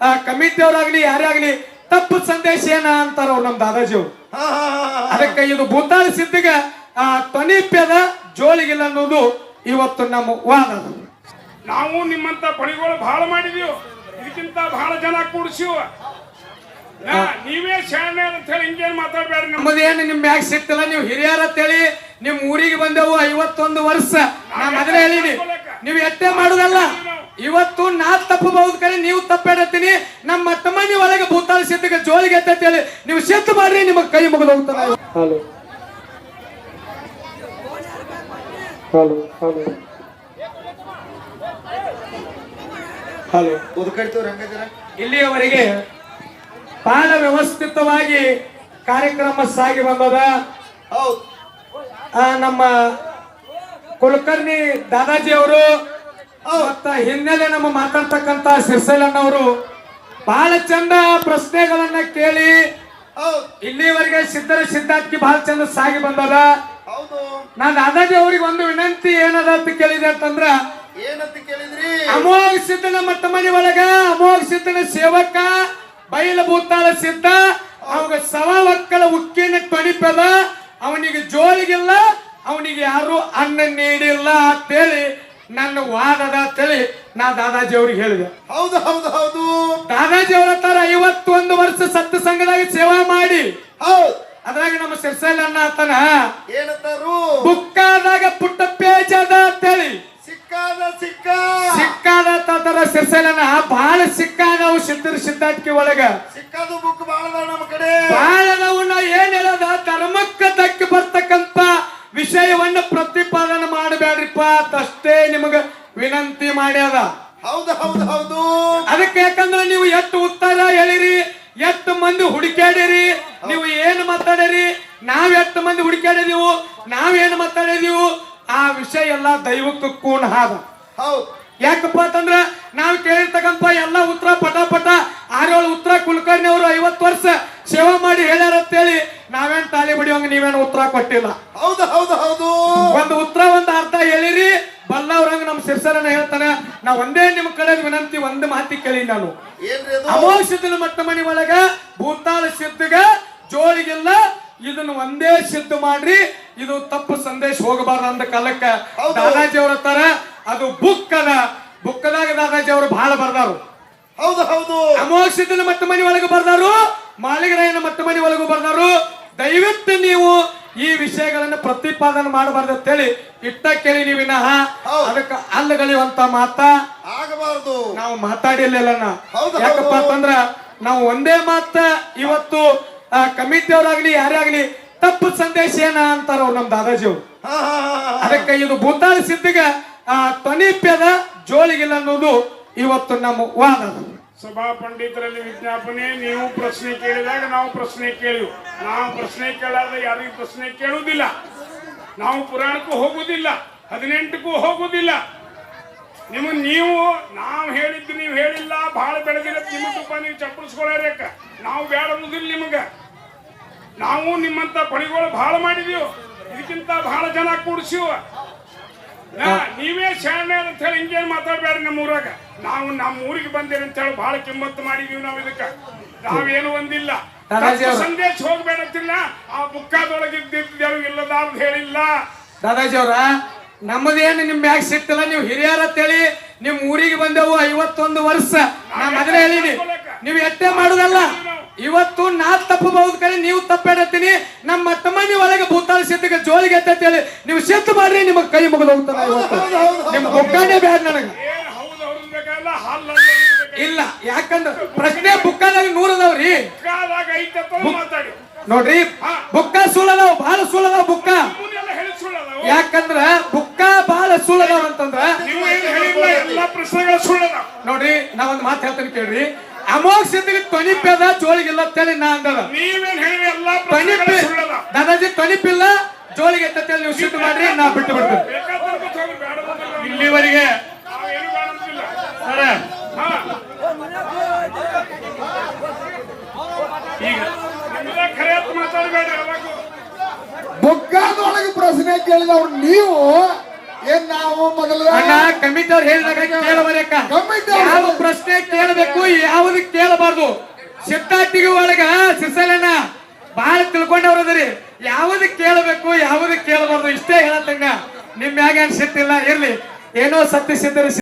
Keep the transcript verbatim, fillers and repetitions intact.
ಕಮಿಟಿಯವರಾಗ್ಲಿ ಯಾರೇ ಆಗ್ಲಿ ತಪ್ಪು ಸಂದೇಶ ಏನ ಅಂತಾರ ಅವ್ರು ನಮ್ ದಾದಾಜಿ ಅವ್ರು. ಅದಕ್ಕೆ ಇದು ಭೂತಾಳ ಸಿದ್ಧಿಗೆ ಆ ತೊನಿಪ್ಯದ ಜೋಳಿಗಿಲ್ಲ ಅನ್ನೋದು ಇವತ್ತು ನಮ್ಮ ವಾದ. ನಾವು ನಿಮ್ಮಂತ ಬಳಿಗಳು ಬಹಳ ಮಾಡಿದೀವಿ, ಇದಕ್ಕಿಂತ ಬಹಳ ಜನ ಕೂಡಿಸಿವ. ನೀವೇ ಶಾಣೆ ಅಂತ ಹೇಳಿ ಹಿಂಗೇನ್ ಮಾತಾಡ್ಬೇಡ್ರಿ. ನಮ್ಮದೇನು ನಿಮ್ ಮ್ಯಾಗ ಸಿಕ್ತಿಲ್ಲ, ನೀವು ಹಿರಿಯರ ಅಂತೇಳಿ ನಿಮ್ ಊರಿಗೆ ಬಂದೆವು ಐವತ್ತೊಂದು ವರ್ಷ. ನಾ ಮೊದಲೇ ಹೇಳಿನಿ, ನೀವು ಎಟ್ಟೆ ಮಾಡುದಲ್ಲ. ಇವತ್ತು ನಾ ತಪ್ಪಬಹುದು ಕರೆ ನೀವು ತಪ್ಪೇಡತ್ತೀನಿ. ನಮ್ಮ ತಮ್ಮನಿ ಒಳಗೆ ಭೂತಾಳ ಸಿದ್ಧಿಗೆ ಜೋಳಿಗೆ ಅಂತ ಹೇಳಿ ನೀವು ಸಿಟ್ಟು ಮಾಡ್ರಿ, ನಿಮಗೆ ಕೈ ಮುಗಿದು ಹೋಗ್ತಾನೆ. ಹಲೋ ಹಲೋ ಹಲೋ ಹಲೋ ಇಲ್ಲಿಯವರೆಗೆ ಬಹಳ ವ್ಯವಸ್ಥಿತವಾಗಿ ಕಾರ್ಯಕ್ರಮ ಸಾಗಿ ಬಂದದ. ನಮ್ಮ ಕುಲಕರ್ಣಿ ದಾದಾಜಿ ಅವರು ಮತ್ತ ಹಿನ್ನೆಲೆ ನಮ್ಮ ಮಾತಾಡ್ತಕ್ಕಂತ ಸಿರ್ಸಲಣ್ಣವರು ಬಹಳ ಚಂದ ಪ್ರಶ್ನೆಗಳನ್ನ ಕೇಳಿ ಇಲ್ಲಿವರೆಗೆ ಸಿದ್ಧರ ಸಿದ್ಧಾರ್ಥಿ ಬಹಳ ಚಂದ ಸಾಗಿ ಬಂದದ. ನಾನ್ ದಾದಾಜಿ ಅವ್ರಿಗೆ ಒಂದು ವಿನಂತಿ ಏನದ ಅಂತ ಕೇಳಿದೆ ಅಂತಂದ್ರ, ಏನಂತ ಕೇಳಿದ್ರಿ? ಅಮೋಘ ಸಿದ್ಧನ ಮಟ್ಟ ಮನೆ ಒಳಗ ಅಮೋಘ ಸಿದ್ಧನ ಸೇವಕ ಬೈಲ ಭೂತಾಳ ಸಿದ್ಧ ಅವಾಗ ಸವ ಒಕ್ಕಲ ಉಕ್ಕಿನ ತೊಣಿಪದ, ಅವನಿಗೆ ಜೋಳಿಗಿಲ್ಲ, ಅವನಿಗೆ ಯಾರು ಅನ್ನ ನೀಡಿಲ್ಲ ಅಂತೇಳಿ ನನ್ನ ವಾದದ ಅಂತೇಳಿ ನಾ ದಾದಾಜಿ ಅವ್ರಿಗೆ ಹೇಳಿದೆ. ಹೌದು ಹೌದು ಹೌದು ದಾದಾಜಿ ಅವ್ರ ತರ ಐವತ್ತೊಂದು ವರ್ಷ ಸತ್ಯ ಸಂಘದಾಗ ಸೇವಾ ಮಾಡಿ ಹೌದು ಅದ್ರಾಗ ನಮ್ಮ ಸಿರ್ಸಲ್ ಅಣ್ಣ ಆತನ ಏನಂತಾರು? ಬುಕ್ಕಾದಾಗ ಪುಟ್ಟ ಪೇಜ್ ಅದ ಅಂತೇಳಿ ಸಿಕ್ಕಾದ ಸಿಕ್ಕ ಸಿಕ್ಕಾದ ತರ ಸಿರ್ಸಲನ ಬಹಳ ಸಿಕ್ಕಾದವು ಸಿದ್ಧರ ಸಿದ್ಧಾರ್ಥಿ ಒಳಗ ಸಿಕ್ಕಾದ ಬುಕ್ ಬಾಳ ನಮ್ಮ ಕಡೆ ಬಹಳ ನಾವು ನಾ ಏನ್ ಹೇಳದ ಧರ್ಮಕ್ಕೆ ಧಕ್ಕೆ ಬರ್ತಕ್ಕಂತ ವಿಷಯವನ್ನ ಪ್ರತಿಪಾದನೆ ಮಾಡಬೇಡ್ರಿಪ್ಪ ಅಷ್ಟೇ ನಿಮಗ ವಿನಂತಿ ಮಾಡ್ಯದ. ಹೌದು ಹೌದು ಹೌದು ಅದಕ್ಕೆ ಯಾಕಂದ್ರೆ ನೀವು ಎಷ್ಟು ಉತ್ತರ ಹೇಳಿರಿ, ಎಷ್ಟು ಮಂದಿ ಹುಡುಕ್ಯಾಡಿರಿ, ನೀವು ಏನು ಮಾತಾಡಿರಿ, ನಾವ್ ಎಷ್ಟು ಮಂದಿ ಹುಡುಕ್ಯಾಡಿದೀವು, ನಾವೇನು ಮಾತಾಡಿದೀವು, ಆ ವಿಷಯ ಎಲ್ಲ ದೈವಕ್ಕೆ ಕೂಣ ಹಾದ. ಹೌದು ಯಾಕಪ್ಪ ಅಂತಂದ್ರ ನಾವ್ ಕೇಳಿರ್ತಕ್ಕಂಥ ಎಲ್ಲ ಉತ್ತರ ಪಟ ಪಟ ಆರೇಳು ಉತ್ತರ ಕುಲಕರ್ಣಿ ಅವರು ಐವತ್ತು ವರ್ಷ ಸೇವಾ ಮಾಡಿ ಹೇಳ್ಯಾರ ಅಂತೇಳಿ ನಾವೇನ್ ತಾಳಿ ಬಡಿಯೋಂಗ ನೀವೇನು ಉತ್ತರ ಕೊಟ್ಟಿಲ್ಲ. ಹೌದು ಹೌದು ಹೌದು ಒಂದು ಉತ್ತರ ಒಂದು ಅರ್ಥ ಹೇಳಿರಿ. ಬಲ್ಲವ್ರಂಗ ನಮ್ ಸಿರ್ಸರನ್ನ ಹೇಳ್ತಾನೆ, ನಾ ಒಂದೇ ನಿಮ್ ಕಡೆ ವಿನಂತಿ ಒಂದು ಮಾತಿ ಕೇಳಿ, ನಾನು ಅಮೋಘ ಸಿದ್ಧನ ಮಟ್ಟ ಮನಿ ಒಳಗ ಭೂತಾಳ ಸಿದ್ಧಿಗ ಜೋಳಿಗಿಲ್ಲ, ಇದನ್ನ ಒಂದೇ ಸಿದ್ಧ ಮಾಡ್ರಿ, ಇದು ತಪ್ಪು ಸಂದೇಶ ಹೋಗಬಾರ್ದು ಅಂದ ಕಾಲಕ್ಕ ದಾದಾಜಿ ಅವ್ರ ತರ ಅದು ಬುಕ್ ಅದ, ಬುಕ್ಕದಾಗ ದಾದಾಜಿ ಅವರು ಬಹಳ ಬರ್ದಾರು. ಹೌದು ಹೌದು ಅಮೋಘ ಸಿದ್ಧನ ಮಟ್ಟ ಮನಿ ಒಳಗೆ ಬರ್ದಾರು, ಮಾಳಿಗರಾಯನ ಮಟ್ಟ ಮನಿ ಒಳಗೂ ಬರ್ದಾರು. ದಯವಿಟ್ಟು ನೀವು ಈ ವಿಷಯಗಳನ್ನ ಪ್ರತಿಪಾದನೆ ಮಾಡಬಾರ್ದು ಅಂತೇಳಿ ಇಟ್ಟ ಕೇಳಿ ನೀವು ವಿನಃ ಅದಕ್ಕೆ ಅಲ್ಲಗಳೆಯುವಂತ ಮಾತ ಆಗಬಾರ್ದು. ನಾವು ಮಾತಾಡಿರ್ಲಿಲ್ಲ. ಯಾಕಪ್ಪ ಅಂತಂದ್ರ ನಾವು ಒಂದೇ ಮಾತ ಇವತ್ತು ಕಮಿಟಿಯವರಾಗ್ಲಿ ಯಾರೇ ಆಗ್ಲಿ ತಪ್ಪು ಸಂದೇಶ ಏನ ಅಂತಾರ ಅವ್ರು ನಮ್ ದಾದಾಜಿ ಅವ್ರು. ಅದಕ್ಕೆ ಇದು ಭೂತಾಳ ಸಿದ್ಧಿಗೆ ಆ ತೊನಿಪ್ಯದ ಜೋಳಿಗಿಲ್ಲ ಅನ್ನೋದು ಇವತ್ತು ನಮ್ಮ ವಾದ. ಸಭಾ ಪಂಡಿತರಲ್ಲಿ ವಿಜ್ಞಾಪನೆ, ನೀವು ಪ್ರಶ್ನೆ ಕೇಳಿದಾಗ ನಾವು ಪ್ರಶ್ನೆ ಕೇಳಿವು. ನಾವು ಪ್ರಶ್ನೆ ಕೇಳಾದ್ರೆ ಯಾರಿಗೂ ಪ್ರಶ್ನೆ ಕೇಳುವುದಿಲ್ಲ. ನಾವು ಪುರಾಣಕ್ಕೂ ಹೋಗುದಿಲ್ಲ, ಹದಿನೆಂಟಕ್ಕೂ ಹೋಗುದಿಲ್ಲ. ನಿಮ್ಮ ನೀವು ನಾವು ಹೇಳಿದ್ದು ನೀವು ಹೇಳಿಲ್ಲ, ಬಹಳ ಬೆಳೆದಿಲ್ಲ, ನಿಮ್ಮ ತುಪ್ಪ ನೀವು ಚಪ್ಪಡಿಸ್ಕೊಳ್ಳಾರಕ್ಕ ನಾವು ಬೇಡ ಅನ್ನೋದಿಲ್ಲ ನಿಮಗ. ನಾವು ನಿಮ್ಮಂತ ಬಳಿಗಳು ಬಹಳ ಮಾಡಿದೀವಿ, ಇದಕ್ಕಿಂತ ಬಹಳ ಜನ ಕೂಡಿಸಿವ. ನೀವೇ ಶಾಣೆ ಅಂತ ಹೇಳಿ ಹಿಂಗೇನ್ ಮಾತಾಡ್ಬೇಡ್ರಿ. ನಮ್ಮ ಊರಾಗ ನಾವು ನಮ್ಮ ಊರಿಗೆ ಬಂದೇನೆ ಅಂತ ಹೇಳಿ ಬಹಳ ಕಿಮ್ಮತ್ತು ಮಾಡಿದೀವಿ. ನಾವು ಇದಕ್ಕ ನಾವೇನು ಒಂದಿಲ್ಲ, ಸಂದೇಶ ಹೋಗ್ಬೇಡಂತಿಲ್ಲ. ಆ ಬುಕ್ಕಾದೊಳಗೆ ಇದ್ದಿದ್ದೇವು ಇಲ್ಲದಾರ್ದು ಹೇಳಿಲ್ಲ. ದಾದಾಜಿ ಅವ್ರ ನಮ್ಮದೇನು ನಿಮ್ ಮ್ಯಾಗ ಸಿಕ್ತಿಲ್ಲ, ನೀವು ಹಿರಿಯರ ಅಂತೇಳಿ ನಿಮ್ ಊರಿಗೆ ಬಂದೆವು ಐವತ್ತೊಂದು ವರ್ಷ. ನಾ ಮೊದಲೇ ಹೇಳಿನಿ, ನೀವು ಎಟ್ಟೆ ಮಾಡುದಲ್ಲ. ಇವತ್ತು ನಾ ತಪ್ಪಬಹುದು ಕರೆ ನೀವು ತಪ್ಪೇಡತ್ತೀನಿ. ನಮ್ಮ ತಮ್ಮನಿ ಒಳಗೆ ಭೂತಾಳ ಸಿದ್ಧಿಗೆ ಜೋಳಿಗೆ ಅಂತ ಹೇಳಿ ನೀವು ಸಿಟ್ಟು ಮಾಡ್ರಿ, ನಿಮಗೆ ಕೈ ಮುಗಿದು ಹೋಗ್ತಾನೆ. ಇವತ್ತು ನಿಮ್ ಬುಕ್ಕಾನೇ ಬೇಡ ನನಗೆ ಇಲ್ಲ. ಯಾಕಂದ್ರೆ ಪ್ರಶ್ನೆ ಬುಕ್ಕಾದಾಗ ನೂರದವ್ರಿ ನೋಡ್ರಿ, ಬುಕ್ಕ ಸುಳ್ಳದಾವ್, ಬಹಳ ಸುಳ್ಳದಾವ್ ಬುಕ್ಕ. ಯಾಕಂದ್ರ ಬುಕ್ಕ ಬಹಳ ಸುಳ್ಳದಾವ್ ಅಂತಂದ್ರ ನೋಡ್ರಿ, ನಾ ಒಂದ್ ಮಾತು ಹೇಳ್ತೇನೆ ಕೇಳ್ರಿ. ಅಮೋಘ ಸಿದ್ಧಿಗೆ ತೊನಿಪ್ಯದ ಜೋಳಿಗಿಲ್ಲ ಅಂತೇಳಿ ನಾ ಅಂದದ. ದಾದಾಜಿ ತೊನಿಪಿಲ್ಲ ಜೋಳಿಗೆ ಅಂತೇಳಿ ನೀವು ಸಿಟ್ಟು ಮಾಡ್ರಿ, ನಾ ಬಿಟ್ಟು ಬಿಡ್ತೇನೆ. ಇಲ್ಲಿವರೆಗೆ ಬೊಗ್ಗಾದೊಳಗೆ ಪ್ರಶ್ನೆ ಕೇಳಿದವ್ರು ನೀವು ಏನ್ ನಾವು ಮೊದಲ ಅಣ್ಣ ಕಮಿಟಿ ಅವ್ರು ಹೇಳಿದಾಗ ಕೇಳಬರಕ ಕಮಿಟಿ ಯಾವ ಪ್ರಶ್ನೆ ಕೇಳಬೇಕು ಯಾವ್ದು ಕೇಳಬಾರ್ದು. ಸಿದ್ಧಾಟಿಗೆ ಒಳಗ ಸಿರ್ಸಲಣ್ಣ ಬಾಳ ತಿಳ್ಕೊಂಡವ್ರದ್ರಿ, ಯಾವ್ದು ಕೇಳಬೇಕು ಯಾವ್ದು ಕೇಳಬಾರ್ದು ಇಷ್ಟೇ ಹೇಳತ್ತಂಗ. ನಿಮ್ ಮ್ಯಾಗ ಅನ್ಸಿಟ್ಟಿಲ್ಲ, ಇರ್ಲಿ ಏನೋ ಸತ್ಯ ಸಿದ್ಧರು